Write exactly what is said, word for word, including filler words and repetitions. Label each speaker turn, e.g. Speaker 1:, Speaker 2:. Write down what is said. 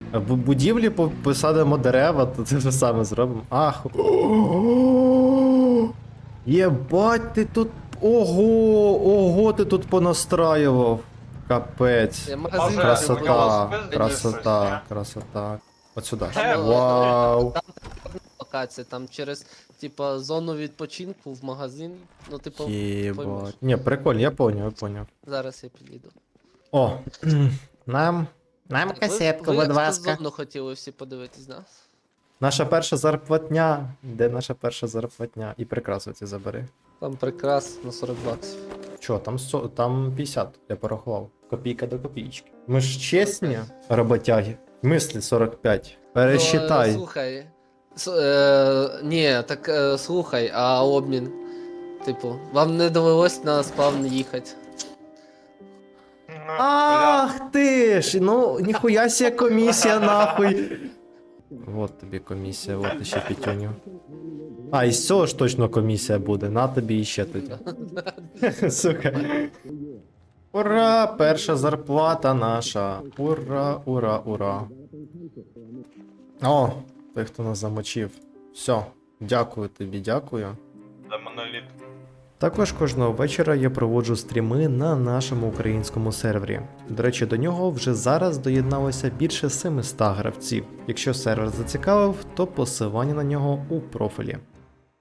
Speaker 1: В будівлі по- посадимо дерева, то це ж саме зробимо. Ах. Єбать, ти тут. Ого, ого, ти тут понастраював. Капець.
Speaker 2: Я магазин
Speaker 1: Красота,
Speaker 2: відкривав.
Speaker 1: красота, красота. От сюди.
Speaker 2: Е,
Speaker 1: Вау.
Speaker 2: Там локація, там через, типа, зону відпочинку в магазин. Ну, типу, поймеш.
Speaker 1: Єбать. Ні, прикольно, я поняв, я поняв.
Speaker 2: Зараз я підійду.
Speaker 1: О, нам. Нам
Speaker 2: Ви-
Speaker 1: касетку,
Speaker 2: ви
Speaker 1: будь ласка.
Speaker 2: зону хотіли всі подивитись, да?
Speaker 1: Наша перша зарплатня. Де наша перша зарплатня? І прикрасу ці забери.
Speaker 2: Там прикрас на сорок баксів.
Speaker 1: Чо, там, со- там п'ятдесят, я порахував. Копійка до копійки. Ми ж чесні роботяги. Мислі сорок п'ять. Пересчитай.
Speaker 2: Ну, е, слухай. С, е, ні, так е, слухай, а обмін. Типу, вам не довелось на спавн їхати.
Speaker 1: Ах ти ж! Ну, ніхуя сія комісія, нахуй. Вот тобі комісія, от ще п'ятюню. А, і з цього ж точно комісія буде, на тобі іще тоді. Сука. Ура! Перша зарплата наша. Ура, ура, ура. О, той, хто нас замочив. Все, дякую тобі, дякую.
Speaker 3: За моноліт.
Speaker 1: Також кожного вечора я проводжу стріми на нашому українському сервері. До речі, до нього вже зараз доєдналося більше семисот гравців. Якщо сервер зацікавив, то посилання на нього у профілі.